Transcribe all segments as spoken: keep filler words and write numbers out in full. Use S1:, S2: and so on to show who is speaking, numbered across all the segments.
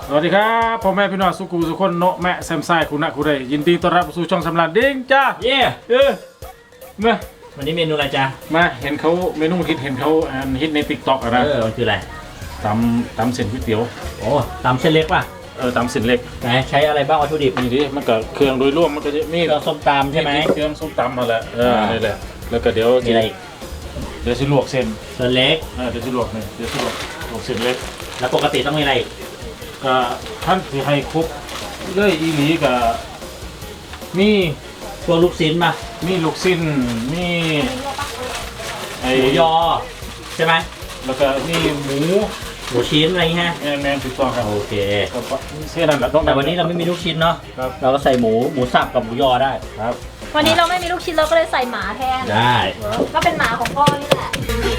S1: สวัสดีครับพ่อแม่พี่น้องสุกูสุคนโนแม่แซมไซคุณะคุณใดยินดีต้อนรับสู่ช่องสำราญดิ้งจ้า
S2: เย่
S1: เออมา
S2: วันนี้เมนูอะไรจ๊ะ
S1: มาเห็นเขาเมนูฮิตเห็นเขาฮิตในติ๊กต็อกอะไร
S2: เออมันคืออะไร
S1: ตำตำเส้นก๋วยเตี๋ยว
S2: โอ้ตำเส้นเล็กป่ะ
S1: เออตำเส้นเล็ก
S2: ไหนใช้อะไรบ้างวัตถุดิบ
S1: นี่ดิมันก็เครื่องโดยรวมมันก็จะมี
S2: เครื่องส้มตำใช่ไหม
S1: เครื่องส้มตำมาแหละเออนี่แหละแล้วก็เดี๋ยว
S2: มีอะไรอีก
S1: เดี๋ยวสิลวกเส้น
S2: เส้นเล็ก
S1: เออเดี๋ยวสิลวกนี่เดี๋ยวสิลวกลวกเส้นเล็ก
S2: แล้วปกติต้องมีอะไรอีก
S1: ก็ท่านที่ให้ครบเลยอีหลีกับมี
S2: ตัวลูกชิ้นมา
S1: มีลูกชิ้นมีไอ
S2: หมูยอใช่ไหม
S1: แล้วก็มีหมู
S2: หมูชิ้นอะไรเงี้ย
S1: แมนแมนถูกต้องครับ
S2: โอเค
S1: เส้นนั่นแหละต้อง
S2: แต่วันนี้เราไม่มีลูกชิ้นเนาะเราก็ใส่หมูหมูสับกับหมูยอได้
S1: ครับ
S3: วันนี้เราไม่มีลูกชิ้นเราก็เลยใส่หมาแทน
S2: ได้
S3: ก็เป็นหมาของพ่อนี่แหละ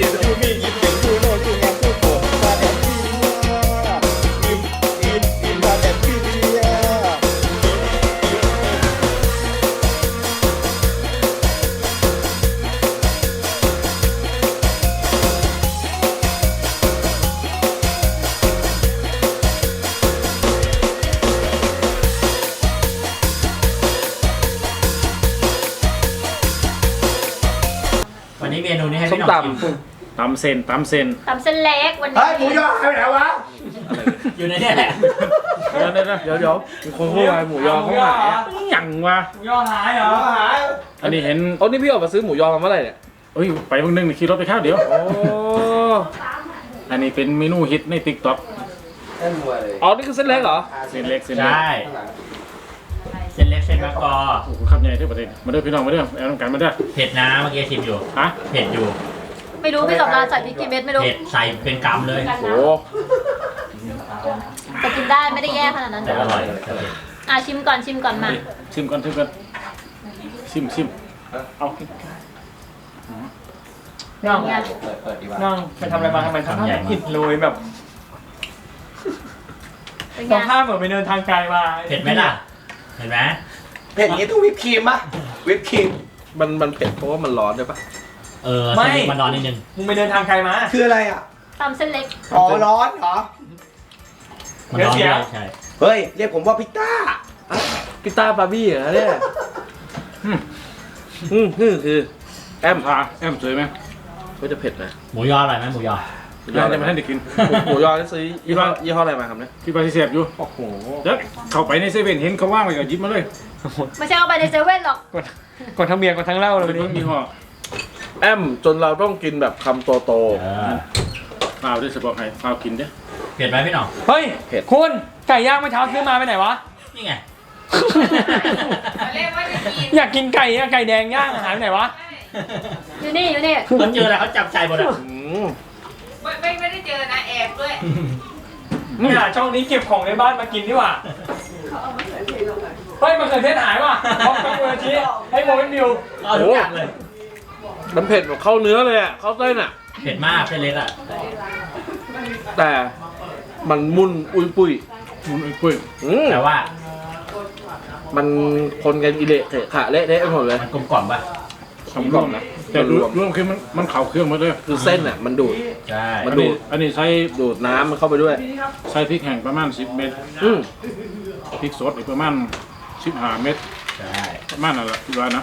S2: วันนี้เมนูนี้ให้พี่น้องกิน
S1: ตำเส้นตำเส้น
S3: ตำเส้นเล็กวันนี้
S4: เฮ้ยหมูยอหายไปไหนวะ
S2: อยู่ในนี้แหละ
S1: เดี๋ยวเดี๋ยวเดี๋ยวเดี๋ยวมีคนพูดว่าหมูยอเขาหายยังวะ
S2: หมูยอหายเหรอหาย
S1: อันนี้เห็น
S4: โอ้นี่พี่ออกมาซื้อหมูยอมาเมื่อไหร่เนี่ย
S1: เอ้ยไปวันนึงขี่รถไปข้าวเดี๋ยว
S4: โอ้
S1: อันนี้เป็นเมนูฮิตในติ๊กต็อก
S4: อ๋อนี่คือเส้นเล็กเหรอ
S1: เส้นเล็กเส้นเล็ก
S2: ใช่เส้นเล็กเส้นมะกอ
S1: โอ้โหขับใหญ่ที่ประเทศมาเด้อพี่น้องมาเด้อแอลต้องการมาเด้อ
S2: เผ็ดนะเมื่อกี้ชิมอยู่
S1: ฮะ
S2: เผ็ดอยู่
S3: ไม่รู้พี่สำราญใส่พริกกี่เม็ดไม่รู้
S2: เผ็ดใส่เป็นกำเลย
S1: โอ้
S3: แต่กินได้ไม่ได้แย่ขนาดนั้น
S2: แต่อร่อย
S3: อ่ะชิมก่อนชิมก่อนมา
S1: ชิมก่อนชิมก่อนชิมชิมเอา
S4: นั่งนั่งไปทำอะไรมาทำไมทำให้ผิดเลยแบบสภาพเหมือนไปเดินทางไกลมา
S2: เผ็ดไหมล่ะเห็นไหม
S4: เผ็ดอย่างนี้ต้องวิปครีมป่ะวิปครีมมันมันเผ็ดเพราะว่ามันร้อนด้วยป่ะ
S2: เออไม่มันร้อนนิดนึง
S4: มึงไปเดินทางไกลมาคืออะไรอ่ะ
S3: ตำเส้นเล็ก
S4: อ๋อร้อนเหรอ
S2: มันร้อนใช่
S4: เฮ้ยเรียกผมว่าพิต้าพิต้าบาร์บี้เหรอเนี่ยอืมอืมคือคือแอม
S1: พาแอมสวยไหม
S4: ก็จะเผ็ดนะ
S2: หมูยออร่อยไหมหมูยอ
S1: หมูยอจะมาให้เด็กกิน
S4: หมูยอจะซื้อยี่ห้อยี่ห้ออะไรมาครับเนี่ย
S1: ที่ปาทิเสียบอยู่
S4: โอ้โห
S1: แล้วเข้าไปในเซเว่นเห็นเขาว่างไว้ก็หยิบมาเลย
S3: ไม่ใช่เอาไปในเซเว่นหรอก
S4: ก่อนทั้งเมียก่อนทั้งเหล้าเลยวันนี้
S1: มีห่อ
S4: แอมจนเราต้องกินแบบคำโตโต
S1: เปล่าด้วยสปอร์ตไฮเปล่ากินเด้
S2: เผ็ดไหมพี่หน่อง
S4: เฮ้ยเผ็ดคุณไก่ย่างเมื่อเช้าซื้อมาไปไหนวะ
S2: นี่ไง
S4: อยากกินไก่อะไก่แดงย่างหายไปไหนวะ
S3: อยู่นี่อยู่นี่
S2: เขาเจออะไรเขาจับใจหมดอ่ะ
S5: ไม่ไม่ไม่ได้เจอนะแอบด้วย
S4: เนี่ยช่องนี้เก็บของในบ้านมากินดีกว่าเฮ้ยมันเกิดเทศหายว่ะพร้อมกับเวอร์ชีให้โมเป็นดิว
S2: เอาทุกอย่างเลย
S4: มันเผ็ดแบบเข้าเนื้อเลยอ่ะเข้าเส้นอ่ะ
S2: เผ็ดมากเส้นเล็กอ่ะ
S4: แต่มันมุนอุยปุย
S1: มุนอุยปุย
S2: แต่ว่า
S4: มันคนกันอิเละเถอะขะเละเทะไปหมดเลย
S2: มันกลมกล่อมป่ะ
S1: กลมกล่อมนะแต่รวมรวมคือมันมันเข่าเครื่องมาด้วย
S4: คือเส้นอ่ะมันดูด
S2: ใช่
S1: มันดูดอันนี้ใช้
S4: ดูดน้ำมันเข้าไปด้วย
S1: ใช้พริกแห้งประมาณสิบเม็ดพริกสดอีกประมาณสิบห้าเม็ด
S2: ใช่
S1: ประมาณนั่นแหละที่ว่านะ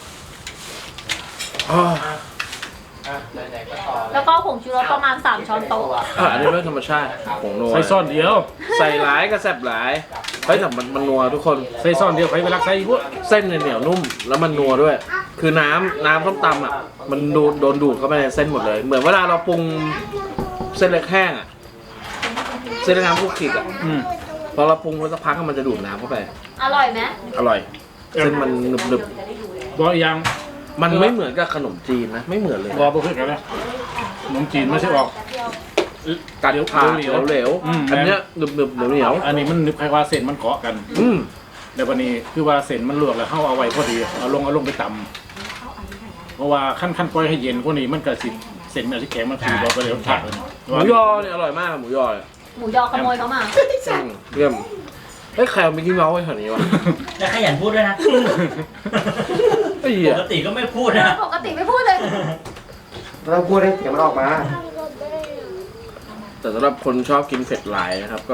S3: แล้วก็ผงชูรสประมาณสามช้อนโต๊ะ
S4: อันนี้ไม่ธรรมชาติผงนัว
S1: ใส่ซ่อนเดียว
S4: ใส่หลายก็แซ่บหลายเฮ้ยแต่มันมันนัวทุกคน
S1: ใส่ซ่อนเดียวใครไปรักใส่พวก
S4: เส้นเหนียวนุ่มแล้วมันนัวด้วยคือน้ำน้ำส้มตำอ่ะมันโดนโดนดูดเข้าไปในเส้นหมดเลยเหมือนเวลาเราปรุงเส้นเล็กแห้งอ่ะเส้นเล็กน้ำพวกขิกอ่ะพอเราปรุงไว้สักพักมันจะดูดน้ำเข้าไป
S3: อร่อยไหม
S4: อร่อยเส้นมันหนึบหนึบ
S1: บ่ยัง
S4: มันไม่เหมือนกับขนมจีนนะไม่เหมือนเลย
S1: บ่บ่คือกันนะขนมจีนไม่ใช่ออก
S4: กัดผ่าเหลวๆอันเนี้ยหนึบหนึบเหนียวเหนียว
S1: อันนี้มันนึกคล้ายว่าเส้นมันเกาะกัน
S4: อืม
S1: แต่วันนี้คือว่าเส้นมันลวกแล้วเข้าเอาไว้พอดีเอาลงเอาลงไปตำเพราะว่าขั้นขั้นปล่อยให้เย็นพวกนี้มันเกิดสิเส้นมันจะแข็งมันคือบอกไปเลยผัก
S4: หมูยอเนี่ยอร่อยมากหมูยอ
S3: หมูยอขโมยเขามา
S4: เยี่ยมเฮ้ยใครเอามิกกี้เมาส์ไว้แถวนี้วะ
S2: แล้วขยันพูดด้วยนะปกติก็ไม่พูดนะ
S3: ปกติไม่พูดเลย
S4: เราพูดให้เสียงมันออกมาแต่สำหรับคนชอบกินเผ็ดหลายนะครับก็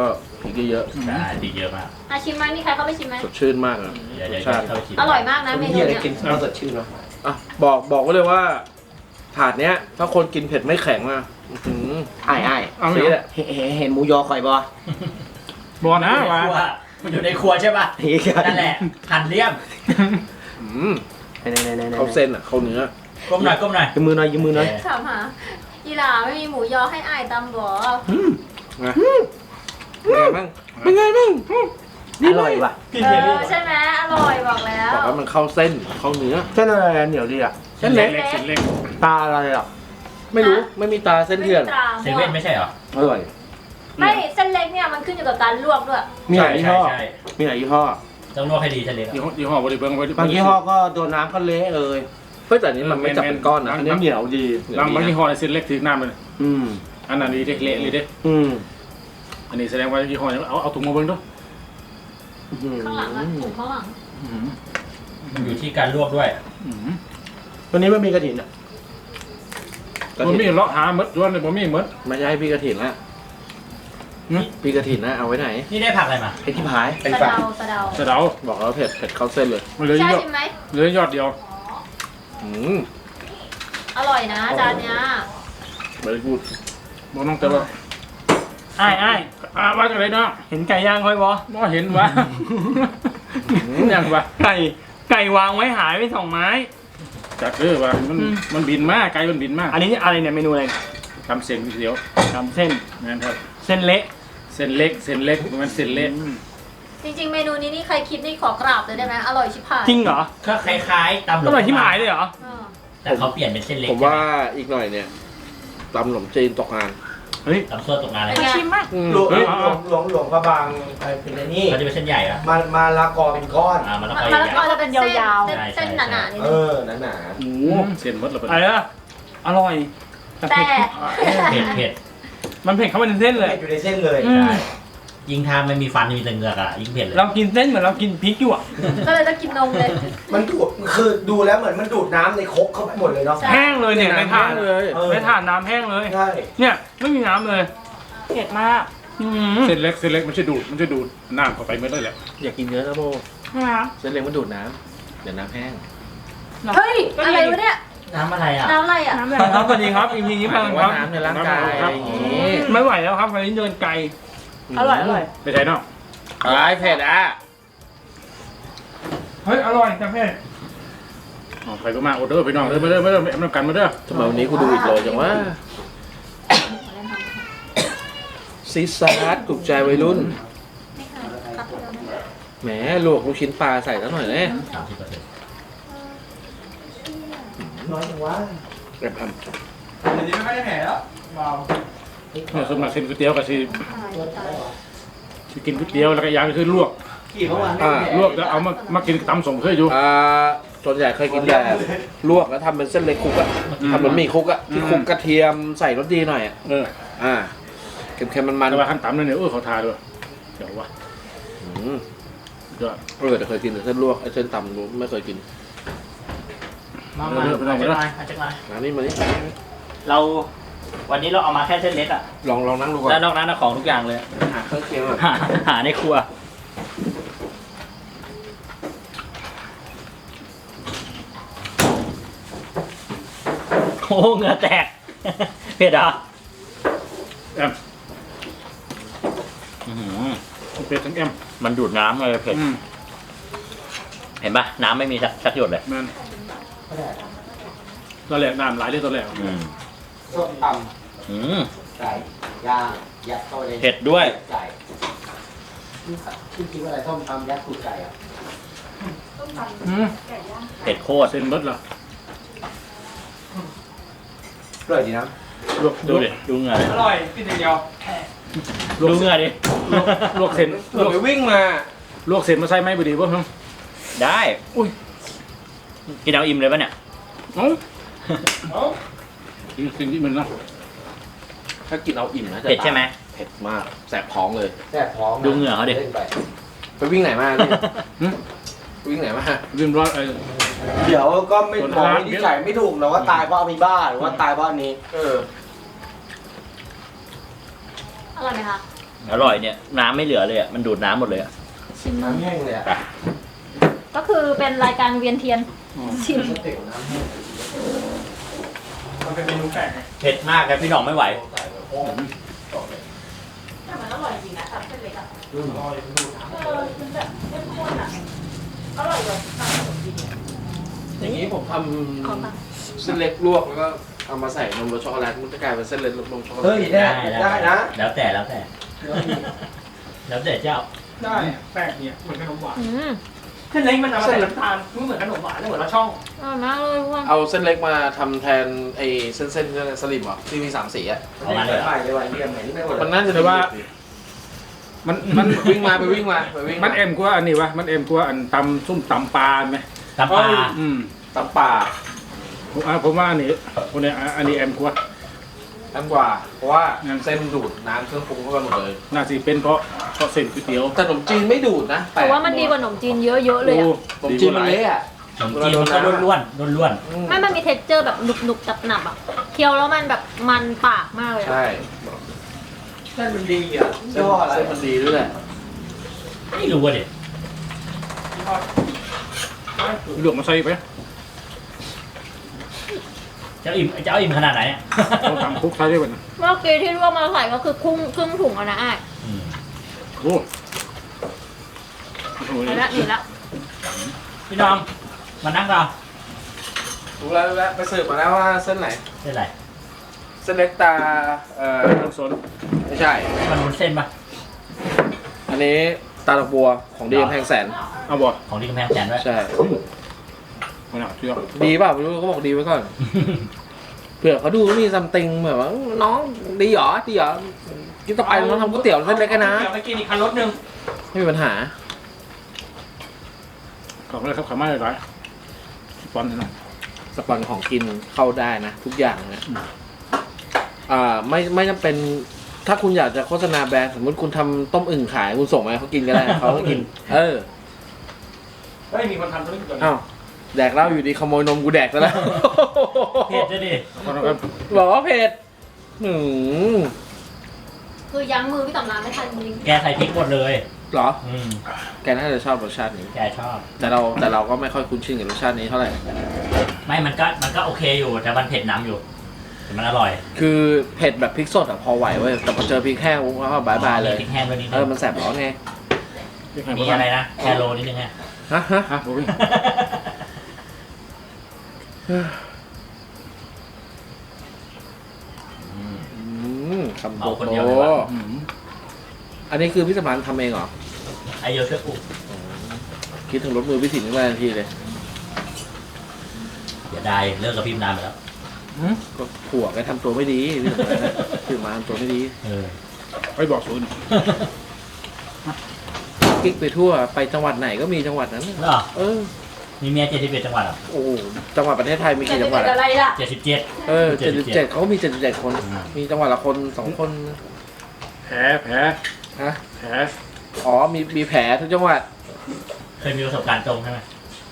S4: พริกเยอะ
S2: ใช่ติดเยอะมาก
S3: อาชิมไหมมีใครเข้าไปชิมไหม
S4: ๆสดชื่นมากเลย
S2: เดี๋ยวเดี๋ยว
S4: รสชาติ
S2: เข้าไปชิม
S3: อร่อยมากนะเมนู
S6: เฮียอะไร
S3: เนี้ย
S6: กินข้าวสดชื่นเนาะ
S4: อ่ะบอกบอกไว้เลยว่าถาดเนี้ย ถ้าคนกินเผ็ดไม่แข็งนะอื้อหือ
S6: ไอ้ไอ้
S1: เอา
S4: นี่
S1: เนี่ย
S4: แหละ
S6: เห็นเห็นเห็นหมูยอข่อยบ่
S1: บอนะว่า
S2: มันอยู่ในครัวใช่ป่ะ
S6: เฮ้ย
S2: นั่นแหละหั่นเลี่ยม
S4: อืม
S6: ไหนไหนไหนไหน
S4: เขาเส้นอ่ะเขาเนื้อ
S2: ก้มหน่อยก้มหน่อย
S6: ยืมมือหน่อยยืมมือหน่อย
S3: ถามหาอีหลาไม่มีหมูยอให้อายตำบ่
S4: นะเป็นไงบ้างเป็นไงบ้าง
S6: อร่อยว่ะ
S3: เออใช่ไหมอร่อยบอกแล้ว
S4: บอกว่ามันเข้าเส้นเข้าเนื้อ
S6: เส้นอะไรเหนียวดีอ่ะ
S1: เส้นเล็กเส้นเล็ก
S6: ตาอะไรอ่ะ
S4: ไม่รู้ไม่มีตาเส้นเถื่อน
S2: เซเว่นไม่ใช่เหรอ
S6: อร่อย
S3: ไม่เส้นเล็กเนี่ยมันขึ้นอยู่กับการลวกด้วย
S6: มีหลายยี่ห้อ
S2: ใช่
S6: มีหลายยี่ห้อ
S2: ต้องลวกให้ดีเส้นเล็ก
S1: ยี่ห้อยี่ห้อบริเบิ้งไว้
S6: บางยี่ห้อก็โดนน้ำก็เละเลย
S4: เฮ้ยแต่อันนี้มันไม่จับเป็นก้อนนะ
S6: อันนี้เหนียวดี
S1: บางบางยี่ห้อเส้นเล็กถือน้ำเลย
S6: อืม
S1: อันนั้นดีเด็กเละเลยเด้
S6: อืม
S1: อันนี้แสดงว่ายี่ห้อนี้เอาเอาถุงมาเบิ้งด้วย
S3: ข้างหลังอะถุงข้างหลัง
S2: มันอยู่ที่การลวกด้วย
S6: วันนี้ไม่มีกระถิ่นอ่ะ
S1: ผมมีเลาะหาเมดย้อนเลยผมมีเมด
S4: ไม่ใช่พี่กระถินละ
S1: หึ
S4: พี่กระถินนะเอาไว้ไหน
S2: นี่ได้ผักอะไรมา
S6: ไอ้ที่พาย
S3: สะเดาสะเดา
S1: สะเดา
S4: บอกแล้วเผ็ดเผ็ดเข้าเส้นเลย
S1: มันเหลือ
S3: ใช่
S1: ยอด
S3: ชิมไหม
S1: เหลือยอดเดียว
S4: อืม
S3: อร่อยนะจานเนี้ย
S1: ไม่ได้พูดบอกน้องแต่ว่า
S6: ไอ้ไอ้
S1: อ่าว่ากันเลยเนาะ
S6: เห็นไก่ย่างค่อยบ่
S1: น้อเห็นวะยังวะ
S6: ไก่ไก่วางไว้หายไปสองไม้
S1: จัดเออวะมันมันบินมากไกลมันบินมาก
S6: อันนี้อะไรเนี่ยเมนูอะไร
S1: ทำเส้นเดียว
S6: ทำเส้น
S1: นั่นครับ
S6: เส้นเละ
S1: เส้นเล็กเส้นเล็กมันเส้นเล็ก
S3: จริงๆเมนูนี้นี่ใครคิดนี่ขอกราบเลยได้ไหมอร่อยชิบหาย
S6: จริงเหรอ
S2: ก็คล้ายๆตำหล
S6: อร่อยที่หายเลยเหรอ
S3: เออ
S2: แต่เขาเปลี่ยนเป็นเส้นเล็ก
S4: ผมว่าอีกหน่อยเนี่ยตำขนมจีนตกงาน
S6: เฮ้ย
S2: ตำซั่วตกงานอะไร
S3: เป็นไง
S4: อืม
S6: หลวงหลวงหลวงหลวงพระบางอะไรเป็นไอ้นี่
S2: เขาจะเป็นเส้นใหญ่อะ
S6: มามาละกอเป็นก้อน
S2: อ่ามันแล้ว
S3: มะ
S2: ก็
S3: มะละกอจะเป็นเส้น
S7: ยาวๆ
S3: เส้นเส้นหนาๆนิด
S6: เอ
S3: นึง
S6: อหนาหนา
S1: โอ้เส้นหมดแล้ว
S6: อะไรนะอร่อย
S3: แต่
S2: เผ็ดเผ็ด
S6: มันเผ็ดเข้าไปในเส้นเลยอยู่ในเส้นเลย
S2: ใช่ยิ่งทานไม่มีฟันมีแต่เหงือกอะยิ่งเผ็ดเลย
S6: เรากินเส้นเหมือนเรากินพริกอยู่อ่ะ
S3: ก็เลยต้องกินนมเลย
S8: มันดูดคือดูแล้วเหมือนมันดูดน้ำในครกเข้าไปหมดเลยเนาะ
S3: ใช่
S6: แห้งเลยเนี่ยในถาด
S4: เลย
S8: เออ
S6: ในถาดน้ำแห้งเลย
S8: ใช่
S6: เนี่ยไม่มีน้ำเลย
S7: เผ็ดมาก
S6: อืม
S1: เส้นเล็กเส้นเล็กมันจะดูดมันจะดูดน้ำเข้าไปไม่ได้แหละ
S4: อยากกินเยอะนะโบ
S7: นะคะ
S4: เส้นเล็กมันดูดน้ำเดี๋ยวน้ำแห้ง
S3: เฮ้ยอะไรวะเนี่ย
S2: น้ำอะไรอะ
S3: น้ำอะไรอ่ะ
S7: น้ำแบ
S6: ครับ บสวัสดีครับอีพีนี้
S4: ห
S6: พั
S4: มาย
S6: ง
S4: ถึง
S6: ค
S4: ว่า
S6: รับ
S4: น้ำในร่างกายอะไรอย่างงี้
S6: ไม่ไหวแล้วครับวันนี้เดินไกล
S7: อร่อยอร่อย
S1: ไม่ใช่เนาะ
S4: อะไรเผ็ดอ่ะ
S6: เฮ้ยอร่อยแต่เผ็ด
S1: อ๋อไปก็มาออเดอร์ไปน้องเด้อมาเด้อมาเด้อเอาน้ำกันมาเด้อ
S4: ทำไมวันนี้กูดูอีกโลจังวะซีซาร์ถูกใจวัยรุ่น
S3: ไม่เคยครับเดียวนะ
S4: แหมลวกลูกชิ้นปลาใส่ซะหน่อยเลย
S2: สามสิบเปอร์เซ็นต์
S8: น้อยจังวะ
S4: แอบท
S6: เดี๋ยวนี้ไม่ค่อยได้แผลแล้วเบา
S1: เนี่ยสำหรับเส้นก๋วยเตี๋ยวก็สิ
S3: ตาย
S1: สิกินก๋วยเตี๋ยวแล้วก็อย่างคือลวก
S8: กี่เมื่อวาน
S4: อ่า
S1: ลวกแล้วเอามามากินตำส่งเคยอยู่
S4: ำอ่าส่วนใหญ่เคยกินแต่ลวกแล้วทำเป็นเส้นเล็กคลุกอะ
S1: อืม
S4: ทำเหมือนหมี่คลุกอะที่คลุกกระเทียมใส่รสดีหน่อยอะ
S1: เออ
S4: อ่าเค็มๆมัน
S1: แต่ว่าขั้นต่ำนั่นเนี่ยเออเขาทาด้วยเดี๋ยววะ
S4: ๆอืม
S1: เดี๋ยว
S4: เออแต่เคยกินแต่เส้นลวกไอ้เส้นตำรู้ไม่เคยกิน
S2: มามาอาจจะมาอาจจะมา
S4: มานี่มานี่
S2: เราวันนี้เราเอามาแค่เส้นเล็กอะ
S4: ลองลองนั่งดูก่อน
S2: แล้วนอกนั้นเอาของทุกอย่างเลย
S4: หาเครื่องเคียงก่อน
S2: หาหาในครัว โอ้เหงื่อแตก เผ็ดเหรอ่ะ
S1: แอมเป็ดทั้งแอม
S2: มันดูดน้ำเลยเผ็ด
S1: อืม
S2: เห็นปะน้ำไม่มีสักสักหยดเลย
S1: แม่นตอนแรกน้ำหลายเลยตอนแรก
S2: อืม
S8: ส้มต
S2: อืม
S8: ำไก่ย่างยัดเข้าไปใน
S2: เผ็ดด้วย
S8: ไก่ที่คิดว่าอะไรส้มตำยัดตูดไก่อ่ะ
S1: อืม
S2: เผ็ดโคตร
S1: เส้นเบิดเหรอ
S8: อร่อยดีนะ
S1: ลวก
S2: ดูดิดูเหงื่อดิ
S6: อร่อยกินอย่างเดียว
S1: ลวก
S2: ดูเหงื่อดิ
S1: ลวกลวกเส้น
S4: เผื่อไปวิ่งมา
S1: ลวกเส้นมาใส่ไหมบุดีป่ะครับ
S2: ได้
S1: อุ้ย
S2: กินเอาอิ่มเลยปะเนี่ย
S1: เอ้าเอ้าสิ่งที่มันนะ
S4: ถ้ากินเอาอิ่มนะจะ
S2: เผ็ดใช่ไหม
S4: เผ็ดมากแสบท้องเลย
S8: แซ่บท้องนะ
S2: ดูเหงื่อเขาดิ
S8: ล่นไป
S4: ไปวิ่งไหนมาเนี่ย
S1: หึ
S4: วิ่งไหนมา
S1: เรื่องร้อนไอ้
S8: เดี๋ยวก็ไม่
S1: ส่วน
S8: บอก
S1: ร้าน
S8: วินิจฉัยไม่ถูกนะว่าตายเพราะอะมีบ้าหรือว่าตายเพราะอันนี้ เออ
S3: อร่อยไหมคะ
S1: อ
S2: อร่อยเนี่ยน้ำไม่เหลือเลยอ่ะมันดูดน้ำหมดเลยอ่ะ
S3: ชิม
S8: น้ำแห้งเลยอ่ะ
S3: ก็คือเป็นรายการเวียนเทียนชิม
S8: ก๋วยเตี๋ยวน้ำแห้ง
S6: มันเป็นเมนูแปลกไง
S2: เผ็ดมากเลยพี่หน้องไม่ไหว
S7: แต่มันอร่อยจริงนะตับเส้นเล็กอ่ะเออมันแบบเข้มข้นอ่ะอร่อยกว่าตับขนมจีน
S4: อย่างนี้ผมท
S3: ขอบ้าง
S4: ำเส้นเล็กลวกแล้วก็เอามาใส่นมรสช็อกโกแลตมันจะกลายเป็นเส้นเล็กนมช็อกโกแลต
S8: เฮ้ยได้ได้นะ
S2: แล้วแต่แล้วแต่แล้วแต่เจ้า
S6: ได้อะแปลกเนี่ยเหมือนขนมหวาน
S3: อืม
S6: เส้นเล็กมันเอามาใส่น้ำตาลไม่เหมือนขนมหวานแล้วเหมือนเราช่อง
S3: อร่อยมากเลยพ่อ
S4: เอาเส้นเล็กมาทำแทนไอ้เส้นเส้นๆสลิมเหรอที่มีสามสีอ่ะ
S2: เอามาเลยเหรอ
S8: ใหม่เลยว่ะเรียมไหนไม่หมด
S4: มันน่าจะ
S1: แต่ว่า มันมัน
S4: วิ่งมาไปวิ่งมาไปวิ่ง
S1: มันเอ็มกว่าอันนี้วะมันเอ็มกว่าอันตำส้มตำปลาไหม
S2: ตำปลา
S1: อืม
S4: ตำป่า
S1: ผมอ่ะผมว่าอันนี้คนเนี้ยอันนี้เอ็มกว่า
S4: น้ำกว่า เพราะว่า
S1: งั้น
S4: เส้นดูดน้ำเครื่องปรุงเข้าไปหมดเลย
S1: น่าสิเป็นเพราะเพราะเส้นก๋วยเตี๋ยว
S4: แต่ขนมจีนไม่ดูดนะ
S3: แต่ว่ามันดีกว่าขนมจีนเยอะๆเลยอ่ะ
S4: ขนมจีนมันเละอ่ะ
S2: ขนมจีนมันก็ล้วนๆล้วน
S4: อืม
S3: ไม่มันมีเท็กเจอร์แบบหนุบๆจับหนับๆอ่ะเคี้ยวแล้วมันแบบมันปากมากเลยอะ
S4: ใช่
S8: เส้นมันดีอ่ะ
S4: เส้น
S8: ย่ออะไร
S4: เส้นมันดีด้วยแหละ
S2: ๆไม่รู้ว่าเด็ด
S1: เลือกมาใส่ไป
S2: จะอิ่มจะเอาอิ่มขนาดไหนเนี่ย
S1: เราตำคุกใส่ได้ป่ะ
S3: เมื่อกี้ที่ลวกมาใส่ก็คือครึ่งครึ่งถุงอะนะอ้าย
S2: อืม
S1: โอ้โห
S3: นี่ละนี่ละ
S2: พี่น้องมานั่งเรา
S4: รู้แล้วรู้แล้วไปสืบมาแล้วว่าเส้นไหน
S2: เส้นอะไร
S4: เส้นเล็กตาเอ่อ
S1: ต้นสน
S4: ไม่ใช่
S2: มันวุ้นเส้นปะ
S4: อันนี้ตาดอกบัวของดีกำแพงแสน
S1: เอาบ่
S2: ของที่กำแพงแสนด้วย
S4: ใช่
S1: คนหนาเชื่อ
S4: ดีเปล่าไม่รู้เขาบอกดีไว้ก่อนเผื่อเขาดูมีซัมติงแบบว่าน้องดีเหรอดีเหรอกินต่อไปน้องทำก๋วยเตี๋ยวเส้นเล็กกันนะ
S6: เดี๋ยวไปกินอีกคันรถหนึ่ง
S4: ไม่มีปัญหา
S1: ขอบคุณครับขามาเลยร้อยฟอนต์นะ
S4: สปอนของกินเข้าได้นะ ทุกอย่างนะอ่าไม่ไม่จำเป็นถ้าคุณอยากจะโฆษณาแบรนด์สมมติคุณทำต้มอึ่งขายคุณส่งมาให้เขากินก็ได้ เขาก็กิน เออ
S6: เฮ้ยมีคนทำธุรกิจตัวนี้
S4: อ้าวแดกเหล้าอยู่ดีขโมยนมกูแดกซะแล้ว
S2: เผ็ดจะดิ
S1: ขอบคุณครับ
S4: บอกว่าเผ็ดหืม
S3: คือยั้งมือพี่ตำรานไม่ทันจริง
S2: แกใส่พริกหมดเลย
S4: เหรอ
S2: อืม
S4: แกน่าจะชอบรสชาตินี้
S2: แกชอบ
S4: แต่เราแต่เราก็ไม่ค่อยคุ้นชินกับรสชาตินี้เท่าไหร่
S2: ไม่มันก็มันก็โอเคอยู่แต่มันเผ็ดน้ำอยู่แต่มันอร่อย
S4: คือเผ็ดแบบพริกสดอะพอไหวเว้ยแต่พอเจอพริกแห้งปุ๊บก็บายบายเลย
S2: มีพริกแห้งด้วยนิด
S4: เอ
S2: นึ
S4: อง มันแสบร้อนไง
S2: มีอะไรนะแคโรนิดนึงฮะ
S4: ฮะฮะ
S1: ฮะผมวิ่ง
S4: อืมคำโต
S2: เอาคน
S4: โต
S2: เดียวเลยวะ
S1: อืม
S4: อันนี้คือพี่สมานทำเองเหรอ
S2: ไอโยช่วยปลุก
S4: คิดถึงรถมือพี่ถิ่นขึ้นมาทันทีเลย
S2: อย่าได้เลิกกับพิมพ์นานไปแล้ว
S4: ก็ผัวแกทำตัวไม่ดีพี่สมานนะพี่สมานทำตัวไม่ดี
S2: เออ
S1: ไปบอกศูนย์
S4: กิ๊กไปทั่วไปจังหวัดไหนก็มีจังหวัดนั้น
S2: เหรอ
S4: เออ
S2: มีเมียเจ็ดสิบเอ็ดจังหวัดเหรอ
S4: โอ้โหจังหวัดประเทศไทยมี
S3: ๆจะ
S4: กี่
S3: ไป
S4: จังหวั
S3: เป็
S4: ด
S3: นอะไร
S4: อะ
S3: ล่ะ
S2: เจ็ดสิบเจ็ด
S4: เออเจ็ดสิบเจ็ดเขาก็มีเจ็ดสิบเจ็ดคน
S2: อืม
S4: มีจังหวัดละคนสองคน
S1: แผลแผล
S4: ฮะ
S1: แผล
S4: อ๋อมีมีแผลทุกจังหวัด
S2: เคยมีประสบการณ์ตรงใช่ไหม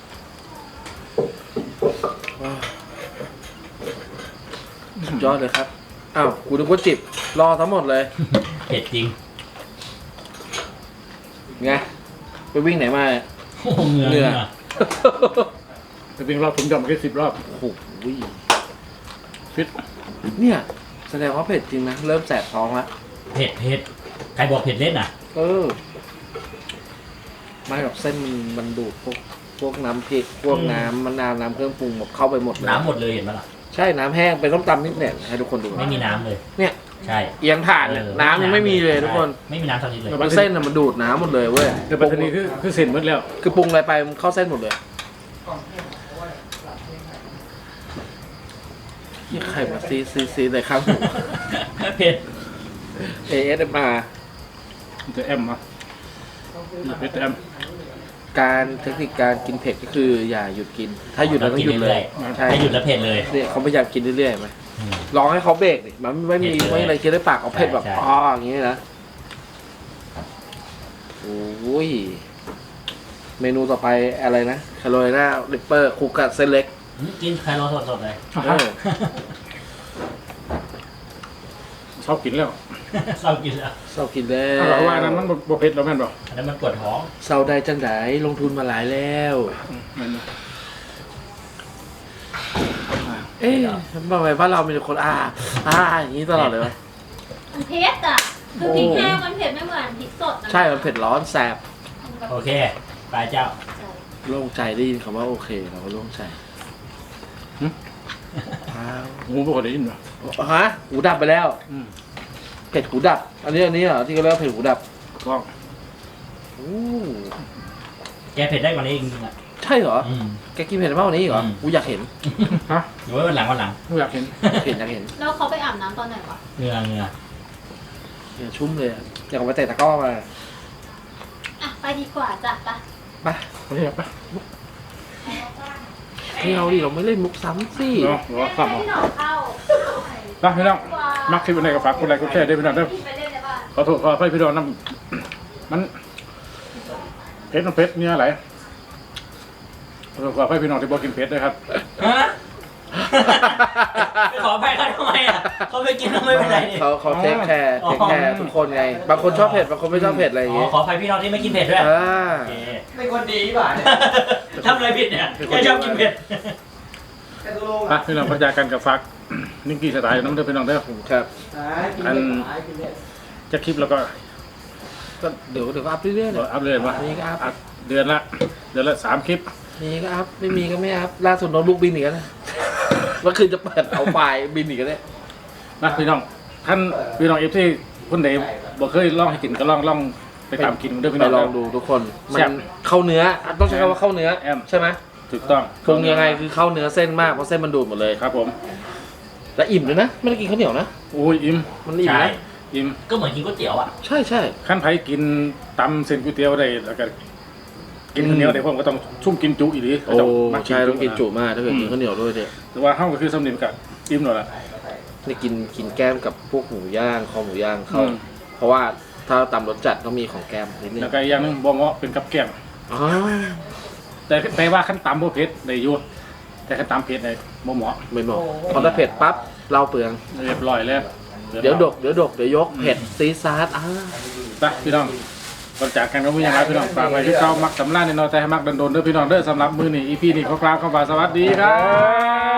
S4: สุดยอดเลยครับอ้าวกูนึกว่าจิบรอทั้งหมดเลย
S2: เผ็ดจริง
S4: ไงไปวิ่งไหนมาเนี่ย
S2: โอ้โหเหงื่อ
S4: เหงื่
S2: เห
S4: อ
S2: งื่อ
S1: จะเป็นรอบผมจำมาแค่สิบรอบ
S4: โอ้โห
S1: ฟิต
S4: เนี่ยแสดงว่าเผ็ดจริงนะเริ่มแสบท้องละ
S2: เผ็ดเผ็ดใครบอกเผ็ดเล่นอ่ะ
S4: เออไม่หรอกเส้นมันมันดูดพวกพวกน้ำพริกพวก
S2: อืม
S4: น้ำมะนาวน้ำเครื่องปรุงหมดเข้าไปหมดเลย
S2: น้ำหมดเลยเห็นไหมล่ะ
S4: ใช่น้ำแห้งเป็นต้มตำนิดเนี่ยให้ทุกคนดู
S2: ไม่มีน้ำเลย
S4: เนี่ย
S2: ใช่
S4: เอียงถ่านเนี่ย
S2: เออ
S4: น้ำยังไม่มีเลยทุกคน
S2: ใช่ไม่มีน้ำสักนิดเลย
S4: แล้วเส้นน่ะมันดูดน้ำหมดเลยเว้ย
S1: แต่ปัจจุบันคือคือเส้นหมดแล้ว
S4: คือปรุงอะไรไปมันเข้าเส้นหมดเลยยี่ใครมาซีซีซีเลยครับ
S2: เผ็ด
S4: เอเอสมา
S1: มันจะแอมมาเพชรแอม
S4: การเทคนิคการกินเผ็ดก็คืออย่าหยุดกิน ถ้าหยุดเราต้องหยุดเลยใช่
S2: ถ้าหยุดแล้วเผ็ดเลย
S4: เนี่ยเขาพยายามกินเรื่อยๆไหม
S2: อืม
S4: ลองให้เขาเบรกดิมันไม่มี
S2: เผ็ดเลย
S4: ไม่มีอะไรกินได้ปากเอาเผ็ดแบบ
S2: ใช่
S4: อ๋ออย่างนี้นะโอ้ยเมนูต่อไปอะไรนะคาโรไลนาริปเปอร์คุกกับเส้นเล็ก
S2: อืมกินไคโรสดๆเลย
S4: เออ
S1: ชอบกินแล้ว
S2: เศร้ากินแล้ว
S4: เศร้ากินแล้
S1: เพราะว่าอัน
S4: ว
S1: นั้นมันบ่เผ็ดแล้วแม่นบ่
S2: อันนั้นมันปวดท้อง
S4: เศร้าได้จังไดลงทุนมาหลายแล้ว
S1: แม่นบ่
S4: เอ๊ะทำไมบ้านเรามีแต่คนอ่าอ่าอย่างนี้ตลอดเลยวะ
S3: มันเผ็ดอ่ะคือพริกแห้งมันเผ็ดไม่เหมือนพริกสดนะ
S4: ใช่มันเผ็ดร้อนแสบ
S2: โอเคไปเจ้า
S4: โล่งใจได้ยินคำว่าโอเคเราก็โล่งใจอ้าว
S1: หูบ่ค่อยได้ยินบ่
S4: ฮะหูดับไปแล้ว
S1: อืม
S4: เผ็ดหูดับ อันนี้อันนี้เหรอที่เขาเรียกว่าเผ็ดหูดับ
S1: ก็
S4: อู้
S2: แกเผ็ดได้กว่านี้จริงๆอ่ะ
S4: ใช่เหรอ
S2: อืม
S4: แกกินเผ็ดมากกว่านี้อีกเหรอ
S2: อืม
S4: กูอยากเห็น
S1: ฮะ
S2: เดี๋ยวไว้วันหลังวันหลัง
S1: ไม่อยากเห็น
S4: เห็นอยากเห็น
S3: แล้วเขาไปอาบน้ำตอนไหนวะ
S2: เหงื่อเหงื่อ
S4: เนี่ยชุ่มเลยอะอยากเอาไปเตะตะกร้อมา
S3: อ่ะไปดีกว่าจ้ะไป
S4: ไป
S1: โอเคปะ
S4: ไม่เอาดิเราไม่เล่นมุกซ้ำสิ
S1: เนาะรอซ้ำเอา
S3: ให้หนอนเข้า
S1: นะพี่น้องมักคลิปอะไรก็ฝากกดไลค์กดแชร์ด้วยพี่น้องเด้อ
S3: ไปเล่นในบ้าน
S1: ขอโทษขออภัยพี่น้องน้ำมันเผ็ดมันเผ็ดเนี่ยอะไรขอโทษขออภัยพี่น้องที่บอกกินเผ็ดด้วยครับ
S2: ฮะไปขอไปเขาทำไมอ่ะเขาไม่กินเขาไม่เป็นไรนี่
S4: เขาเขาเทคแคร์เทคแคร์ทุกคนไง บางคนชอบเผ็ดบางคนไม่ชอบเผ็ดอะไรอย่าง
S2: อ๋อ
S4: เงี้ย
S2: ขออภัยพี่น้องที่ไม่กินเผ็ดด้วย
S4: อ่า
S2: โอเค
S6: เป็นคนดีป่ะเนี่ย
S2: ทำอะไรผิดเนี่ยแกชอบกินเผ็ด
S6: แต่ตัวลง
S1: อ่ะพี่น้องพัฒนากันกับฟักนิ่งกี้สไตล์น้ำเด้อพี่น้องเด้อ
S4: ครับ
S1: อัน จะคลิปแล้วก็
S4: ก็เดี๋ยวเดี๋ยวก็อัพเรื่อยๆเลย
S1: อัพเดทมา
S4: มีก็อัพ
S1: อัพเดือนละเดือนละสามคลิป
S4: มีก็อัพไม่มีก็ไม่อัพล่าสุดโน้ตบุ๊กบินอีกแล้วนะเมื่อคืนจะเปิดเอาไฟล์บินอีกแล้วเนี่ย
S1: นะพี่น้องท่านพี่น้องเอฟที่คนไหนบอกเคยลองให้กินก็ลองลองไปตามกินเด้อพี่
S4: ไป
S1: น้อง
S4: ล
S1: เด้
S4: องดูทุกคน มั
S1: แซ่
S4: น
S1: บ
S4: เข้าเนื้อต้องใช้คำว่าเข้าเนื้อ
S1: แอม
S4: ใช่ไหม
S1: ถูกต้อง
S4: ปรุงยังไงคือเข้าเนื้อเส้นมากเพราะเส้นมันดูดหมดเลย
S1: ครับผม
S4: และอิ่มด้วยนะไม่ได้กินข้าวเหนียวนะ
S1: โอ้ยอิ่ม
S4: มันอิ่ม
S2: ใช่
S4: นะ
S1: อิ่ม
S2: ก็เหมือนกินก๋วยเตี๋ยวอ่ะ
S4: ใช่ใช่
S1: ขั้นไผกินตำเส้นก๋วยเตี๋ยวได้แล้วก็กินข้าวเหนียวได้ผมก็ต้องชุ่มกินจุอีหลี
S4: โอ้
S1: มัก
S4: ใช่ต้องกินจุมากถ้าเกิดกินข้าวเหนียวด้วยเนี่ย
S1: แต่ว่าเฮาก็คือสำเนียงกับอิ่มหน่อยละ
S4: นี่กินกินแก้มกับพวกหมูย่างคอหมูย่างเขา
S1: อืม
S4: เพราะว่าถ้าตำรสจัดต้องมีของแก้มนิดนึง
S1: แล้วก็อีกอย่างหนึงบ่เหมาะเป็นกับแกล้ม
S4: อ๋อ
S1: แต่แต่ว่าขั้นตำบ่เผ็ดได้อยู่แต่ขั้นตำเผ็ดได้บ่เหมาะ
S4: ไม่เหมาะพอถ้าเผ็ดปั๊บเราเปลือง
S1: เรียบร้อยแล้ว
S4: เดี๋ยวดกเดี๋ยวดกเดี๋ยวยกเผ็ดซีซาร์ดอ่า
S1: ไปพี่น้องก่อนจากกันก็มีอย่างไรพี่น้องฝากไว้ที่เก้ามักสำลักในนอนแต่ให้มักดันโดนเด้อพี่น้องเด้อสำหรับมือนี่อีพีนี่ขอกล่าวคำว่าสวัสดีครับ